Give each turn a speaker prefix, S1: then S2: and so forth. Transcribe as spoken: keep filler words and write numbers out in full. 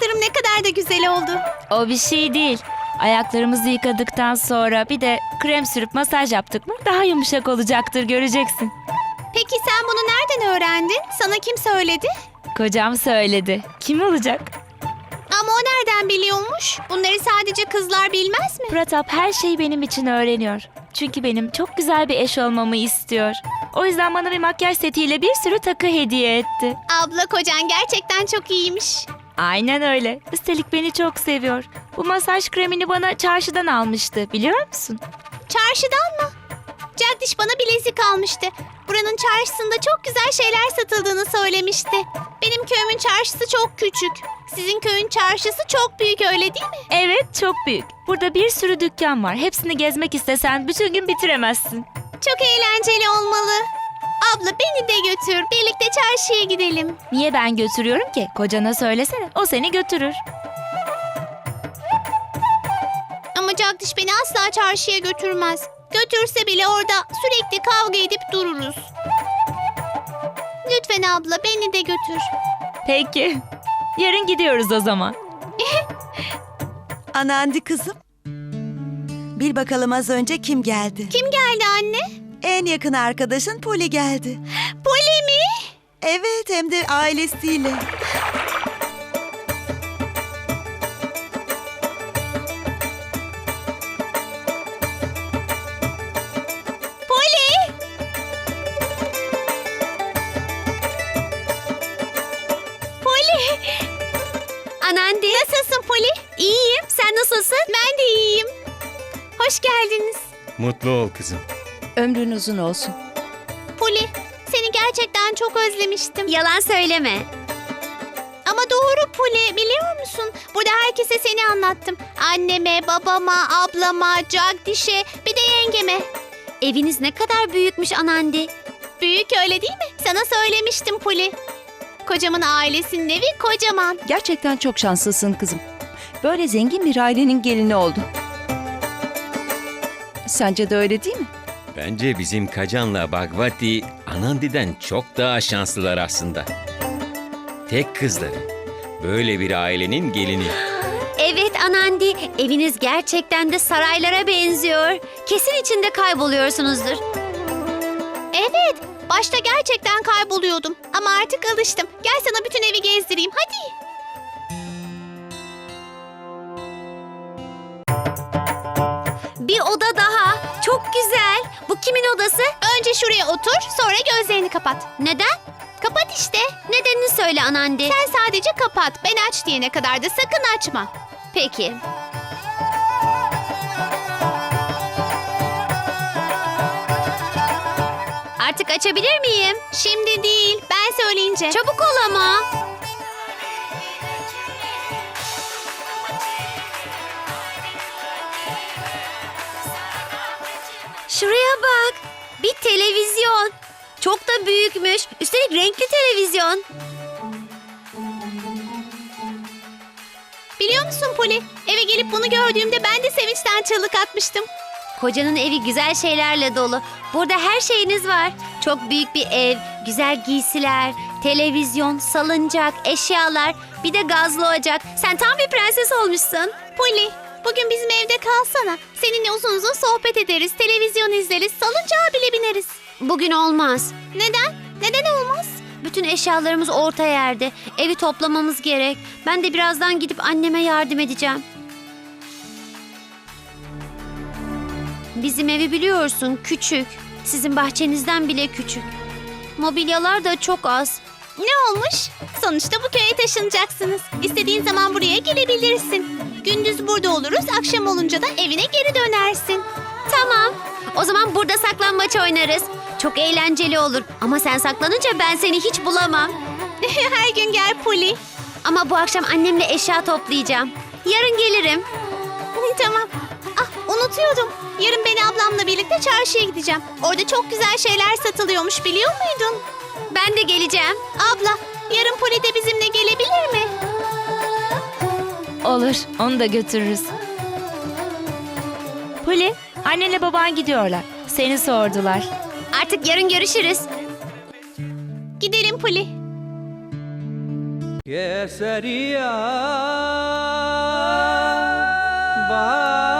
S1: Ayaklarım ne kadar da güzel oldu.
S2: O bir şey değil. Ayaklarımızı yıkadıktan sonra bir de krem sürüp masaj yaptık mı daha yumuşak olacaktır, göreceksin.
S1: Peki sen bunu nereden öğrendin? Sana kim söyledi?
S2: Kocam söyledi. Kim olacak?
S1: Ama o nereden biliyormuş? Bunları sadece kızlar bilmez mi?
S2: Pratap her şeyi benim için öğreniyor. Çünkü benim çok güzel bir eş olmamı istiyor. O yüzden bana bir makyaj setiyle bir sürü takı hediye etti.
S1: Abla, kocan gerçekten çok iyiymiş.
S2: Aynen öyle. Üstelik beni çok seviyor. Bu masaj kremini bana çarşıdan almıştı, biliyor musun?
S1: Çarşıdan mı? Jagdish bana bilezik almıştı. Buranın çarşısında çok güzel şeyler satıldığını söylemişti. Benim köyümün çarşısı çok küçük. Sizin köyün çarşısı çok büyük, öyle değil mi?
S2: Evet, çok büyük. Burada bir sürü dükkan var. Hepsini gezmek istesen bütün gün bitiremezsin.
S1: Çok eğlenceli olmalı. Abla, beni de götür. Birlikte çarşıya gidelim.
S2: Niye ben götürüyorum ki? Kocana söylesene. O seni götürür.
S1: Ama Jagdish beni asla çarşıya götürmez. Götürse bile orada sürekli kavga edip dururuz. Lütfen abla, beni de götür.
S2: Peki. Yarın gidiyoruz o zaman.
S3: Anandi kızım. Bil bakalım az önce kim geldi?
S1: Kim geldi anne?
S3: En yakın arkadaşın Poli geldi.
S1: Poli mi?
S3: Evet, hem de ailesiyle.
S1: Poli! Poli! Anandi. Nasılsın Poli? İyiyim. Sen nasılsın? Ben de iyiyim. Hoş geldiniz.
S4: Mutlu ol kızım.
S5: Ömrün uzun olsun.
S1: Poli, seni gerçekten çok özlemiştim.
S6: Yalan söyleme.
S1: Ama doğru Poli, biliyor musun? Burada herkese seni anlattım. Anneme, babama, ablama, Jagdish'e, bir de yengeme.
S6: Eviniz ne kadar büyükmüş Anandi.
S1: Büyük, öyle değil mi? Sana söylemiştim Poli. Kocamın ailesinin evi kocaman.
S5: Gerçekten çok şanslısın kızım. Böyle zengin bir ailenin gelini oldun. Sence de öyle değil mi?
S4: Bence bizim Kacan'la Bhagwati Anandi'den çok daha şanslılar aslında. Tek kızları. Böyle bir ailenin gelini.
S6: Evet Anandi, eviniz gerçekten de saraylara benziyor. Kesin içinde kayboluyorsunuzdur.
S1: Evet, başta gerçekten kayboluyordum. Ama artık alıştım. Gel sana bütün evi gezdireyim, hadi.
S6: Bir oda daha. Çok güzel. Bu kimin odası?
S1: Önce şuraya otur, sonra gözlerini kapat.
S6: Neden?
S1: Kapat işte.
S6: Nedenini söyle Anandi.
S1: Sen sadece kapat. Ben aç diyene kadar da sakın açma.
S6: Peki. Artık açabilir miyim?
S1: Şimdi değil, ben söyleyince.
S6: Çabuk ol ama. Şuraya bak. Bir televizyon. Çok da büyükmüş. Üstelik renkli televizyon.
S1: Biliyor musun Poli? Eve gelip bunu gördüğümde ben de sevinçten çığlık atmıştım.
S6: Kocanın evi güzel şeylerle dolu. Burada her şeyiniz var. Çok büyük bir ev, güzel giysiler, televizyon, salıncak, eşyalar, bir de gazlı ocak. Sen tam bir prenses olmuşsun.
S1: Poli, bugün bizim evde kalsana. Seninle uzun uzun sohbet ederiz, televizyon izleriz, salıncağa bile bineriz.
S6: Bugün olmaz.
S1: Neden? Neden olmaz?
S6: Bütün eşyalarımız orta yerde. Evi toplamamız gerek. Ben de birazdan gidip anneme yardım edeceğim. Bizim evi biliyorsun, küçük. Sizin bahçenizden bile küçük. Mobilyalar da çok az.
S1: Ne olmuş? Sonuçta bu köye taşınacaksınız. İstediğin zaman buraya gelebilirsin. Gündüz burada oluruz, akşam olunca da evine geri dönersin.
S6: Tamam. O zaman burada saklambaç oynarız. Çok eğlenceli olur. Ama sen saklanınca ben seni hiç bulamam.
S1: Her gün gel Poli.
S6: Ama bu akşam annemle eşya toplayacağım. Yarın gelirim.
S1: Tamam. Ah, unutuyordum. Yarın beni ablamla birlikte çarşıya gideceğim. Orada çok güzel şeyler satılıyormuş, biliyor muydun?
S6: Ben de geleceğim.
S1: Abla, yarın Poli de bizimle gelebilir mi?
S2: Olur, onu da götürürüz. Poli, annenle baban gidiyorlar. Seni sordular.
S6: Artık yarın görüşürüz.
S1: Gidelim Poli.
S7: केसरिया बा